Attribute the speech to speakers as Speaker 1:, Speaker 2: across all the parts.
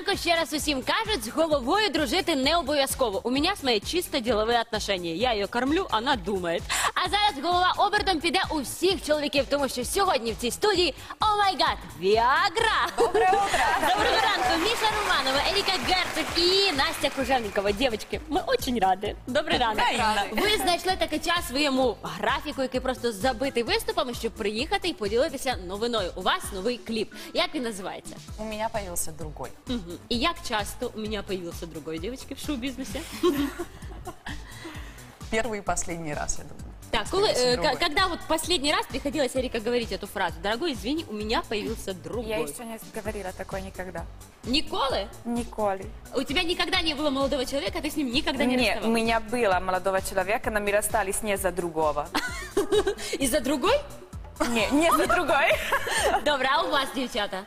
Speaker 1: ранку, ще раз усім кажуть, з головою дружити не обов'язково. У мене з моє чисто ділові отношення. Я її кормлю, вона думає. А зараз голова обертом піде у всіх чоловіків, тому що сьогодні в цій студії, о май гад, Віагра!
Speaker 2: Доброе утро!
Speaker 1: Доброго ранку, Міша Романова, Еріка Герцог і Настя Кружевникова. Дівчатки, ми дуже раді. Добрий ранок. Ви знайшли такий час в своєму графіку, який просто забитий виступами, щоб приїхати і поділитися новиною. У вас новий кліп. Як він називається?
Speaker 2: У меня появился другой.
Speaker 1: І як часто у мене появився другой, дівчатки, в шоу-бізнесі?
Speaker 2: Первый и последний раз, я думаю.
Speaker 1: Так, когда вот последний раз приходилось, Эрика, говорить эту фразу? Дорогой, извини, у меня появился другой.
Speaker 3: Я еще не говорила такое никогда.
Speaker 1: Николы?
Speaker 3: Николи.
Speaker 1: У тебя никогда не было молодого человека, ты с ним никогда не
Speaker 3: Нет, у
Speaker 1: расставалась?
Speaker 3: меня было молодого человека, но мы расстались не за другого.
Speaker 1: Из-за другой?
Speaker 3: Не за другой.
Speaker 1: Добре, а у вас, девчата?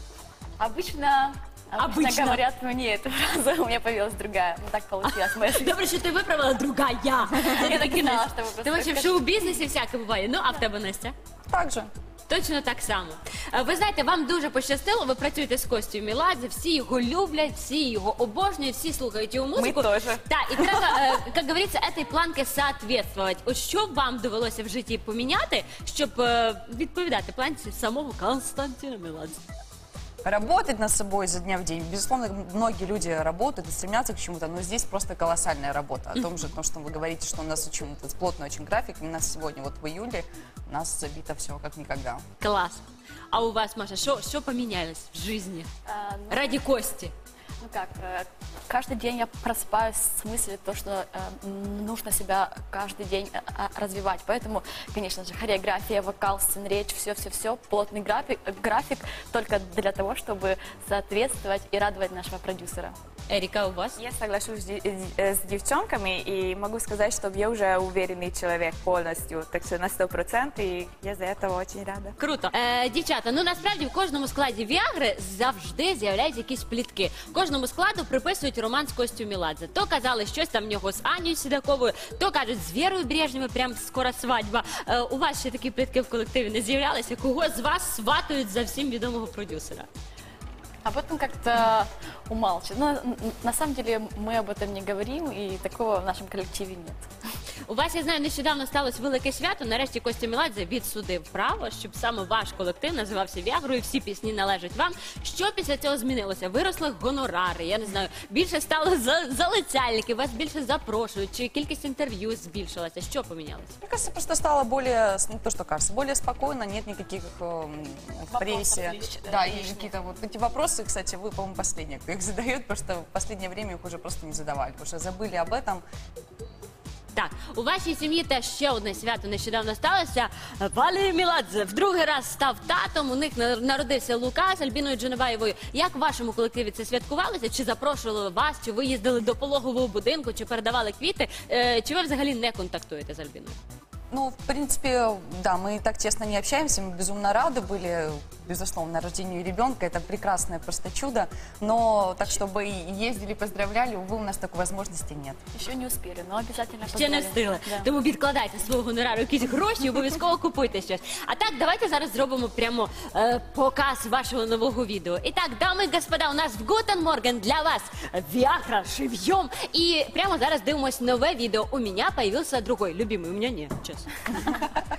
Speaker 4: Обычно
Speaker 1: Обычно.
Speaker 4: говорят мне эту фразу, у меня появилась другая. Ну так получилось. Моя жизнь.
Speaker 1: Добре, що ти виправила другая.
Speaker 4: Я так и знала, что вы просто
Speaker 1: Тому що в
Speaker 4: скажете.
Speaker 1: шоу-бізнесі всяке буває. Ну, а в тебе, Настя?
Speaker 2: Так же.
Speaker 1: Точно так само. Ви знаєте, вам дуже пощастило, ви працюєте з Костю Меладзе, всі його люблять, всі його обожнюють, всі слухають його музику.
Speaker 3: Ми теж.
Speaker 1: Так, і треба, як говориться, этой планки соответствовать. От що вам довелося в житті поміняти, щоб відповідати планці самого Константина Меладзе?
Speaker 2: Работать над собой изо дня в день. Безусловно, многие люди работают и стремятся к чему-то, но здесь просто колоссальная работа. О том же, что вы говорите, что у нас очень плотный очень график. У нас сегодня, вот в июле, у нас забито все как никогда.
Speaker 1: Клас. А у вас, Маша, що помінялось в житті? Ради Кости.
Speaker 4: Ну как, каждый день я просыпаюсь с мыслью, то, что нужно себя каждый день развивать. Поэтому, конечно же, хореография, вокал, сценречь, все-все-все, плотный график только для того, чтобы соответствовать и радовать нашего продюсера.
Speaker 1: Еріка, у вас?
Speaker 3: Я соглашусь с девчонками и могу сказать, что я уже уверенный человек полностью, так что на 100%, и я за этого очень рада.
Speaker 1: Круто. Дівчата, ну насправді в кожному складі Віагри завжди з'являються якісь плітки. Кожному складу приписують роман з Костю Меладзе. То казали щось там в нього з Анією Сідаковою, то кажуть, з Вірою Брежнєвою прям скоро свадьба. У вас ще такі плітки в колективі не з'являлися? Кого з вас сватають за всім відомого продюсера?
Speaker 4: Об этом как-то умалчивают. Но на самом деле мы об этом не говорим, и такого в нашем коллективе нет.
Speaker 1: У вас, я знаю, нещодавно сталося велике свято. Нарешті Костя Меладзе відсудив право, щоб саме ваш колектив називався Віагрою, і всі пісні належать вам. Що після цього змінилося? Виросли гонорари, я не знаю, більше стало залицяльників, вас більше запрошують, чи кількість інтерв'ю збільшилася? Що помінялося?
Speaker 2: Мне кажется, просто стало более, ну, то, что кажется, более спокойно, нет никаких в прессе. Да, и какие-то вот эти вопросы, кстати, вы, по-моему, последние, кто их задает, потому что в последнее время их уже просто не задавали, потому что забыли об этом.
Speaker 1: Так, у вашій сім'ї теж ще одне свято нещодавно сталося. Валерій Меладзе в другий раз став татом, у них народився Лука з Альбіною Джанабаєвою. Як в вашому колективі це святкувалося? Чи запрошували вас, чи ви їздили до пологового будинку, чи передавали квіти? Чи ви взагалі не контактуєте з Альбіною?
Speaker 2: Ну, в принципе, да, мы так тесно не общаемся, мы безумно рады были, безусловно, рождению ребенка, это прекрасное просто чудо, но так, чтобы ездили, поздравляли, увы, у нас такой возможности нет.
Speaker 4: Еще не успели, но обязательно
Speaker 1: Ще не
Speaker 4: поздравим.
Speaker 1: встигли.
Speaker 4: Да.
Speaker 1: Тому відкладайте свого гонорару якісь гроші, обов'язково купуйте щось. А так, давайте зараз зробимо прямо показ вашого нового відео. І так, дами і господа, у нас в Гутен Морген для вас Віагра живьем. І прямо зараз дивимось нове відео. У мене появився другой. Любимый, у мене ні, чесно.